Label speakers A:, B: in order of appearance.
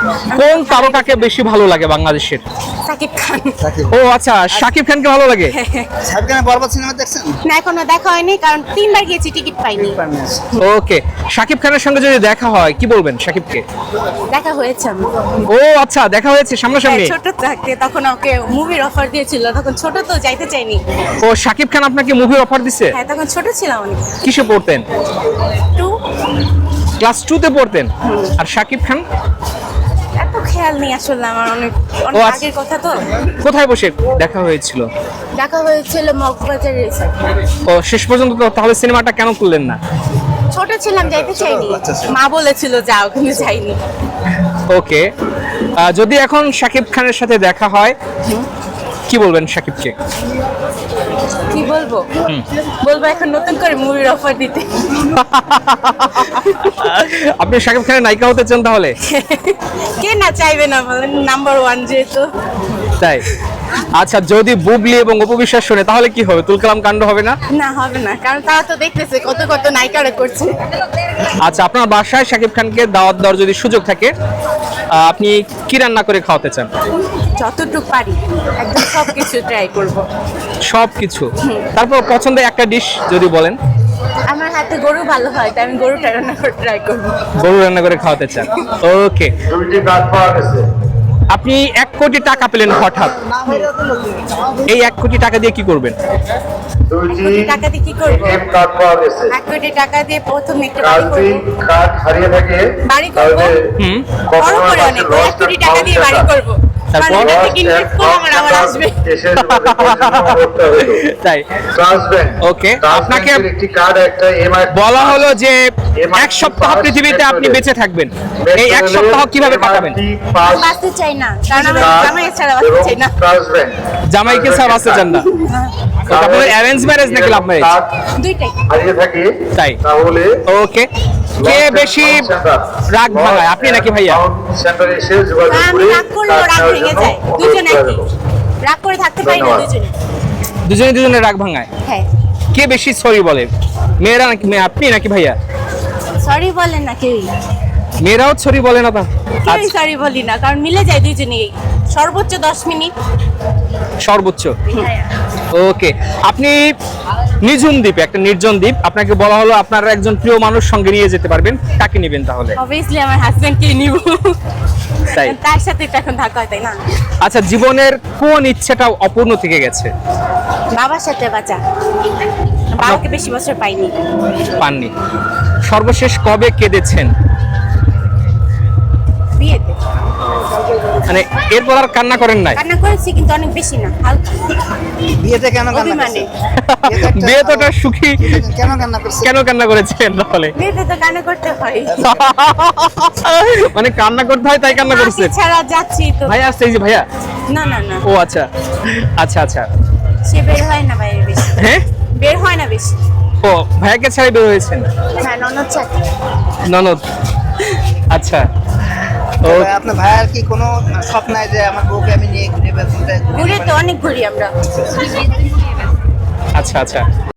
A: কোন তারকাকে বেশি ভালো লাগে বাংলাদেশের?
B: সাকিব খান।
A: ও আচ্ছা, শাকিব খানকে ভালো লাগে।
C: সাকিব খানের বরবাদ সিনেমা দেখছেন?
B: না, এখনো দেখা হয়নি, কারণ 3বার গিয়েছি, টিকিট পাইনি।
A: ওকে, শাকিব খানের সঙ্গে যদি দেখা হয় কি বলবেন শাকিবকে?
B: দেখা হয়েছে আমার।
A: ও আচ্ছা, দেখা হয়েছে সামনাসামনি।
B: ছোট থাকতে তখন ওকে মুভির অফার দিয়েছিল, তখন ছোট তো যাইতে চাইনি।
A: ও শাকিব খান আপনাকে মুভির অফার দিছে?
B: হ্যাঁ, তখন ছোট ছিলাম অনেক।
A: কিসে পড়তেন?
B: 2।
A: ক্লাস 2 তে পড়তেন। আর শাকিব খান?
B: এত খেয়াল নেই আসলে আমার, অনেক
A: ও আচ্ছা।
B: আগের কথা তো।
A: কোথায় বসে দেখা হয়েছিল?
B: দেখা হয়েছিল মগবাজারের সাথে।
A: ও শেষ পর্যন্ত তো তাহলে সিনেমাটা কেন করলেন না?
B: ছোট ছিলাম, যাইতে চাইনি। মা বলেছিল যাও, কিন্তু যাইনি।
A: ওকে, যদি এখন শাকিব খানের সাথে দেখা হয় কি বলবেন শাকিবকে?
B: কি বলবো? বলবো এখন নতুন করে মুভির অফার দিতে।
A: আপনি শাকিব খানের নায়িকা হতে চান তাহলে?
B: কে না চাইবে না বলেন, নাম্বার 1 যেহেতু।
A: তাই আচ্ছা, যদি বুবলি এবং অপু বিশ্বাস শোনে তাহলে কি হবে? তুলকালাম কাণ্ড হবে না?
B: না, হবে না, কারণ তারা তো দেখতেছে কত কত নায়িকারা করছে।
A: আচ্ছা, আপনার বাসায় শাকিব খানকে দাওয়াত দেওয়ার যদি সুযোগ থাকে আপনি কি রান্না করে খাওয়াতে চান?
B: যতটুকু পারি একদম সবকিছু ট্রাই করব।
A: সবকিছু। তারপর পছন্দের একটা ডিশ যদি বলেন।
B: আমার হাতে গরু ভালো হয়, তাই আমি গরুটা রান্না করে ট্রাই করব।
A: গরু রান্না করে খাওয়াতে চান। ওকে, আপনি 1 কোটি টাকা পেলেন হঠাৎ, এই 1 কোটি টাকা দিয়ে কি করবেন?
B: 1 কোটি টাকা দিয়ে কি করব? 1 কোটি টাকা দিয়ে প্রথমে একটা বাড়ি করব। বড় করে অনেক, 1 কোটি টাকা দিয়ে বাড়ি করব।
A: তারপর?
B: মানে এটা থেকে ইনভেস্ট করে আমার আবার আসবে।
A: তাই ওকে, আপনাকে বলা হলো যে 1 সপ্তাহ পৃথিবীতে আপনি বেঁচে থাকবেন, এই 1 সপ্তাহ কিভাবে কাটাবেন?
B: বাঁচতে চাই না, কারণ আমি জামাই ছাড়া বাঁচতে চাই না।
A: জামাইকে ছাড়া বাঁচতে চান না? আপনাদের অ্যারেঞ্জ ম্যারেজ নাকি লাভ ম্যারেজ?
B: দুইটাই।
A: তাই ওকে, কে বেশি রাগ ভাঙায়, আপনি নাকি ভাইয়া?
B: আমি রাগ করলেও রাগ ভেঙে যায়, দুজনে একই। রাগ করে থাকতে পারি না দুজনে।
A: দুজনে রাগ ভাঙায়।
B: হ্যাঁ।
A: কে বেশি সরি বলে, মেয়েরা নাকি আপনি নাকি ভাইয়া?
B: সরি বলেন না কেউই।
A: মেয়েরাও সরি বলে না?
B: কেউই সরি বলি না, কারণ মিলে যায় দুজনেই। সর্বোচ্চ 10 মিনিট।
A: সর্বোচ্চ। ওকে, আপনি নিঝুম দ্বীপে, একটা নির্জন দ্বীপ, আপনাকে বলা হলো আপনার একজন প্রিয় মানুষ সঙ্গে নিয়ে যেতে পারবেন, কাকে নেবেন তাহলে?
B: অবভিয়াসলি আমার হাজবেন্ডকে নিব।
A: তাই?
B: তার সাথে তো এখন থাকা হয়, তাই না?
A: আচ্ছা, জীবনের কোন ইচ্ছেটা অপূর্ণ থেকে গেছে?
B: বাবার সাথে বাঁচা। বাবাকে বেশি বছর পাইনি।
A: পাননি। সর্বশেষ কবে কেঁদেছেন?
B: বিয়েতে।
A: মানে এরপর আর কান্না করেন নাই?
B: কান্না করেছি, কিন্তু অনেক বেশি না, হালকা।
C: বিয়েতে কেন কান্না
B: অভিমানে।
C: করছেন?
A: বিয়ে তো একটা সুখী।
C: কেন কান্না করছেন?
A: কেন কান্না করেছেন তাহলে?
B: বিয়েতে তো কান্না করতে হয়।
A: মানে কান্না করতে হয় তাই কান্না করছেন?
B: মাকে ছাড়া যাচ্ছি তো।
A: ভাইয়া আসছে, এই যে ভাইয়া।
B: না না না,
A: ও আচ্ছা আচ্ছা আচ্ছা।
B: সে বের হয় না বাইরে বেশি।
A: হ্যাঁ,
B: বের হয় না বেশি।
A: ও ভাইয়াকে ছাড়াই বের হয়েছেন?
B: হ্যাঁ, ননদ ছাড়া।
A: ননদ। আচ্ছা। ও
C: আপনার ভাইয়ের কি কোনো স্বপ্ন নাই যে আমার বউকে আমি নিয়ে ঘুরে বেড়াতে?
B: ঘুরে তো অনেক ঘুরি আমরা।
A: আচ্ছা আচ্ছা।